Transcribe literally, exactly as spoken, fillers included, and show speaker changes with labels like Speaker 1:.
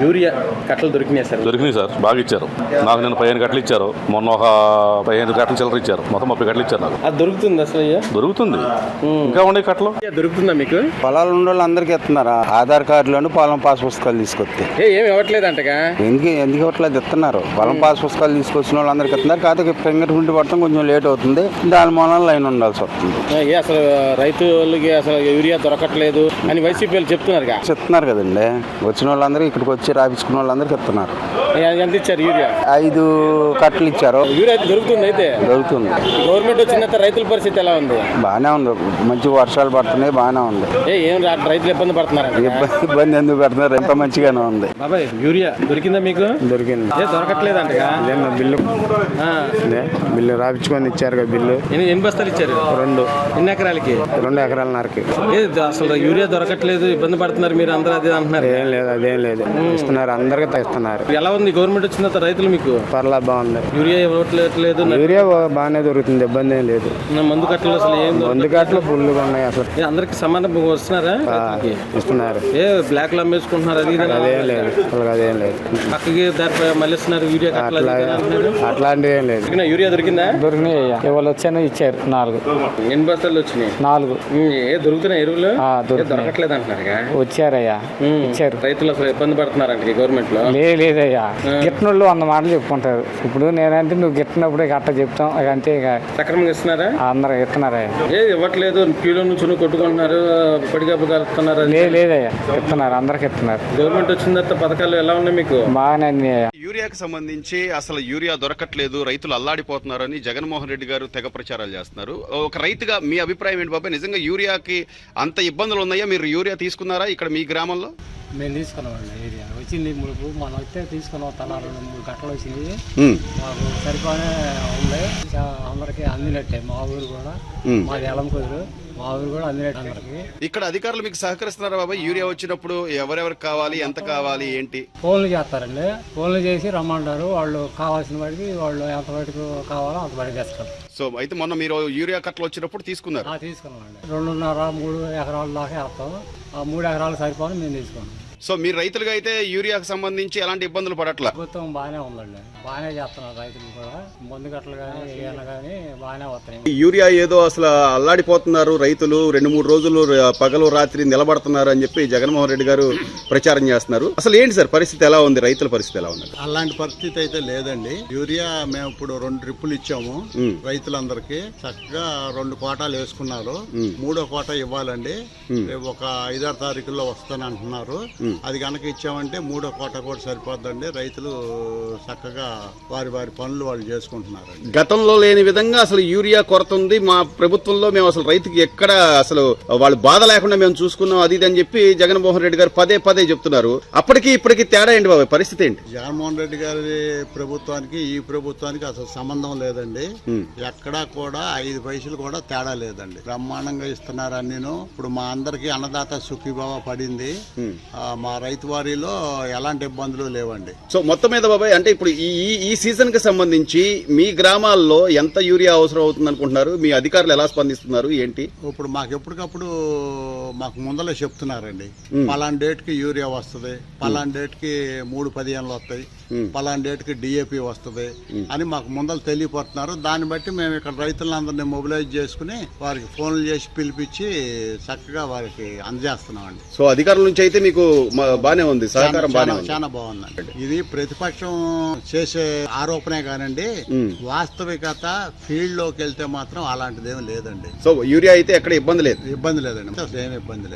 Speaker 1: Urea కట్టలు దొరికినాయి sir?
Speaker 2: దొరికినాయి సార్, బాగా ఇచ్చారు. నాకు నేను పదిహేను కట్టలు ఇచ్చారు, మొన్న ఒక పదిహేను కట్టలు చిల్లర ఇచ్చారు, మొత్తం ముప్పై కట్టలు ఇచ్చారు నాకు.
Speaker 1: అది దొరుకుతుంది అసలు?
Speaker 2: దొరుకుతుంది. ఇంకా ఉండే కట్టలు
Speaker 1: దొరుకుతుందా మీకు?
Speaker 3: పొలాలు ఉన్న వాళ్ళు అందరికి ఇస్తున్నారా? ఆధార్ కార్డులను పొలం పాస్ పుస్తకాలు తీసుకొస్తే
Speaker 1: ఏమి ఇవ్వట్లేదు అంటగా?
Speaker 3: ఎందుకు ఎందుకు ఇవ్వట్లేదు? ఇస్తున్నారు. పొలం పాస్ పుస్తకాలు తీసుకొచ్చిన వాళ్ళు అందరికి ఇస్తున్నారు. కాకపోతే ఫింగర్ ప్రింట్ పడతాం కొంచెం లేట్ అవుతుంది, దాని మూలన లైన్ ఉండాల్సి వస్తుంది.
Speaker 1: అసలు రైతులకి అసలు యూరియా దొరకట్లేదు అని వైసీపీ వాళ్ళు చెప్తున్నారు
Speaker 3: చెప్తున్నారు కదండి. వచ్చిన వాళ్ళందరూ ఇక్కడికి వచ్చి రాపించుకున్న వాళ్ళందరికి ఇస్తున్నారు.
Speaker 1: ఎంత ఇచ్చారు యూరియా?
Speaker 3: ఐదు కట్టలు ఇచ్చారు.
Speaker 1: యూరియా దొరుకుతుంది? అయితే
Speaker 3: దొరుకుతుంది.
Speaker 1: గవర్నమెంట్ వచ్చిన రైతుల పరిస్థితి ఎలా ఉంది?
Speaker 3: బాగానే ఉంది, మంచి వర్షాలు పడుతున్నాయి, బాగానే ఉంది.
Speaker 1: ఏం రైతులు ఇబ్బంది పడుతున్నారు?
Speaker 3: ఇబ్బంది ఎందుకు పడుతున్నారు? ఎంత మంచిగానే ఉంది.
Speaker 1: బాబాయ్ యూరియా దొరికిందా మీకు?
Speaker 3: దొరికింది.
Speaker 1: దొరకట్లేదు అంటగా?
Speaker 3: బిల్లు బిల్లు రాపించుకొని ఇచ్చారు కదా. బిల్లు
Speaker 1: ఎన్ని బస్తాలు ఇచ్చారు?
Speaker 3: రెండు.
Speaker 1: ఎన్ని ఎకరాలకి?
Speaker 3: రెండు ఎకరాలన్నరకి.
Speaker 1: అసలు యూరియా దొరకట్లేదు, ఇబ్బంది పడుతున్నారు మీరు అందరూ అదే అంటున్నారు.
Speaker 3: ఏం లేదు, అదేం లేదు, ఇస్తున్నారు, అందరికి ఇస్తున్నారు.
Speaker 1: ఎలా ఉంది గవర్నమెంట్ వచ్చిన తర్వాత రైతులు మీకు?
Speaker 3: పర్లా బాగుంది.
Speaker 1: యూరియా ఇవ్వట్లేదు?
Speaker 3: యూరియా బాగానే దొరుకుతుంది, ఇబ్బంది ఏం లేదు.
Speaker 1: మందు కట్టలు అసలు ఏం?
Speaker 3: మందు కట్టలు ఫుల్గా ఉన్నాయి. అసలు
Speaker 1: అందరికి సమానం వస్తున్నారా?
Speaker 3: ఇస్తున్నారు.
Speaker 1: ఏ బ్లాక్ లో అమ్మేసుకుంటున్నారు? అది
Speaker 3: అదేం లేదు, అదేం లేదు.
Speaker 1: పక్కకి దారి మళ్ళీ ఇస్తున్నారు యూరియా కట్టలు.
Speaker 3: అట్లాంటివి ఏం లేదు.
Speaker 1: యూరియా దొరికిందా?
Speaker 3: దొరికినాయి. ఇవాళ వచ్చాను, ఇచ్చారు నాలుగు.
Speaker 1: ఎన్ని బస్తాలు వచ్చినాయి?
Speaker 3: నాలుగు.
Speaker 1: ఏ దొరుకుతున్నాయి ఎరువులు? దొరకట్లేదు అంటున్నారుగా?
Speaker 3: వచ్చారయ్యా, ఇచ్చారు.
Speaker 1: రైతులు అసలు ఇబ్బంది పడుతున్నారంట గవర్నమెంట్ లో?
Speaker 3: లేదయ్యా, గిట్టినోళ్ళు వంద మాటలు చెప్పుకుంటారు. ఇప్పుడు నేనంటే నువ్వు గిట్టినప్పుడే గట్ట చెప్తాం, అంతే.
Speaker 1: సక్రమంగా ఇస్తున్నారా?
Speaker 3: అందరూ ఇస్తున్నారయ్యా.
Speaker 1: ఏ ఇవ్వట్లేదు, క్యూలో నుంచి కొట్టుకుంటున్నారు, పడిగాపు కలుపుతున్నారు.
Speaker 3: లేదయ్యా, ఇస్తున్నారు, అందరికి ఇస్తున్నారు.
Speaker 1: గవర్నమెంట్ వచ్చిన తర్వాత పథకాలు ఎలా ఉన్నాయి మీకు?
Speaker 3: బాగానే అన్నాయా.
Speaker 4: యూరియాకి సంబంధించి అసలు యూరియా దొరకట్లేదు, రైతులు అల్లాడిపోతున్నారని జగన్మోహన్ రెడ్డి గారు తెగ ప్రచారాలు చేస్తున్నారు. ఒక రైతుగా మీ అభిప్రాయం ఏంటి బాబాయ్? నిజంగా యూరియాకి అంత ఇబ్బందులు ఉన్నాయా? మీరు యూరియా తీసుకున్నారా ఇక్కడ మీ గ్రామంలో?
Speaker 5: మేము తీసుకున్నామండి. యూరియా వచ్చింది ముడుపు, మనం అయితే తీసుకున్నాం. తల రెండు మూడు గంటలు వచ్చింది, మాకు సరిపోనే ఉంది. అందరికి అందినట్టే. మా ఊరు కూడా, మాది ఎలం కుదురు, మా ఊరు కూడా అందినట్టు అందరికి.
Speaker 4: ఇక్కడ అధికారులు మీకు సహకరిస్తున్నారా బాబాయ్? యూరియా వచ్చినప్పుడు ఎవరెవరికి కావాలి, ఎంత కావాలి, ఏంటి?
Speaker 5: ఫోన్లు చేస్తారండి. ఫోన్లు చేసి రమ్మంటారు. వాళ్ళు కావాల్సిన వాడికి వాళ్ళు ఎంత వాటికి కావాలో అంత వాడికి తెస్తారు.
Speaker 4: సో అయితే మొన్న మీరు యూరియా కట్టలు వచ్చినప్పుడు తీసుకున్నారు?
Speaker 5: తీసుకున్నామండి. రెండున్నర మూడు ఎకరాల దాకా వేస్తాం. ఆ మూడు ఎకరాలు సరిపోని మేము తీసుకున్నాం.
Speaker 4: సో మీరు రైతులుగా అయితే యూరియాకి సంబంధించి ఎలాంటి ఇబ్బందులు పడట్లా?
Speaker 5: ప్రభుత్వం బాగానే ఉందండి, బాగానే చేస్తున్నారు. రైతులు కూడా మందు గట్టలు కానీ ఏమైనా కానీ బాగానే వస్తాయి.
Speaker 4: యూరియా ఏదో అసలు అల్లాడిపోతున్నారు రైతులు, రెండు మూడు రోజులు పగలు రాత్రి నిలబడుతున్నారు అని చెప్పి జగన్మోహన్ రెడ్డి గారు ప్రచారం చేస్తున్నారు. అసలు ఏంటి సార్ పరిస్థితి, ఎలా ఉంది? రైతుల పరిస్థితి ఎలా ఉంది?
Speaker 6: అలాంటి పరిస్థితి అయితే లేదండి. యూరియా మేము ఇప్పుడు రెండు ట్రిప్పులు ఇచ్చాము రైతులందరికీ. చక్కగా రెండు కోటాలు వేసుకున్నారు. మూడో కోట ఇవ్వాలండి, ఒక ఐదారు తారీఖుల్లో వస్తానంటున్నారు. అది కనుక ఇచ్చామంటే మూడో కోట కూడా సరిపోద్దండి. రైతులు చక్కగా వారి వారి పనులు వాళ్ళు చేసుకుంటున్నారు.
Speaker 4: గతంలో లేని విధంగా అసలు యూరియా కొరత ఉంది మా ప్రభుత్వంలో, మేము అసలు రైతుకి ఎక్కడ అసలు వాళ్ళు బాధ లేకుండా మేము చూసుకున్నాం అది ఇది అని చెప్పి జగన్మోహన్ రెడ్డి గారు పదే పదే చెప్తున్నారు. అప్పటికి ఇప్పటికి తేడా ఏంటి బాబు, పరిస్థితి ఏంటి?
Speaker 6: జగన్మోహన్ రెడ్డి గారి ప్రభుత్వానికి ఈ ప్రభుత్వానికి అసలు సంబంధం లేదండి. ఎక్కడా కూడా ఐదు పైసలు కూడా తేడా లేదండి. బ్రహ్మాండంగా ఇస్తున్నారు అన్నీను. ఇప్పుడు మా అందరికి అన్నదాత సుఖీభావ పడింది. మా రైతు వారిలో ఎలాంటి ఇబ్బందులు లేవండి.
Speaker 4: సో మొత్తం మీద బాబాయ్ అంటే ఇప్పుడు ఈ ఈ సీజన్ కి సంబంధించి మీ గ్రామాల్లో ఎంత యూరియా అవసరం అవుతుంది అనుకుంటున్నారు? మీ అధికారులు ఎలా స్పందిస్తున్నారు ఏంటి?
Speaker 6: ఇప్పుడు మాకు ఎప్పటికప్పుడు మాకు ముందలే చెప్తున్నారండి, పలానా డేట్ కి యూరియా వస్తుంది, పలానా డేట్ కి మూడు పదిహేనులు వస్తాయి, పలానా డేట్ కి డిఏపి వస్తుంది అని మాకు ముందలు తెలియపడుతున్నారు. దాన్ని బట్టి మేము ఇక్కడ రైతులందరినీ మొబిలైజ్ చేసుకుని వారికి ఫోన్లు చేసి పిలిపించి చక్కగా వారికి అందజేస్తున్నామండి.
Speaker 4: సో అధికారుల నుంచి అయితే మీకు బానే ఉంది, సహకారం బానే ఉంది,
Speaker 6: చాలా బాగుందండి. ఇది ప్రతిపక్షం చేసే ఆరోపణే కానండి, వాస్తవికత ఫీల్డ్ లోకి వెళ్తే మాత్రం అలాంటిదేమీ లేదండి.
Speaker 4: సో యూరియా అయితే ఎక్కడ ఇబ్బంది లేదు?
Speaker 6: ఇబ్బంది లేదండి, అసలు ఏమి ఇబ్బంది లేదు.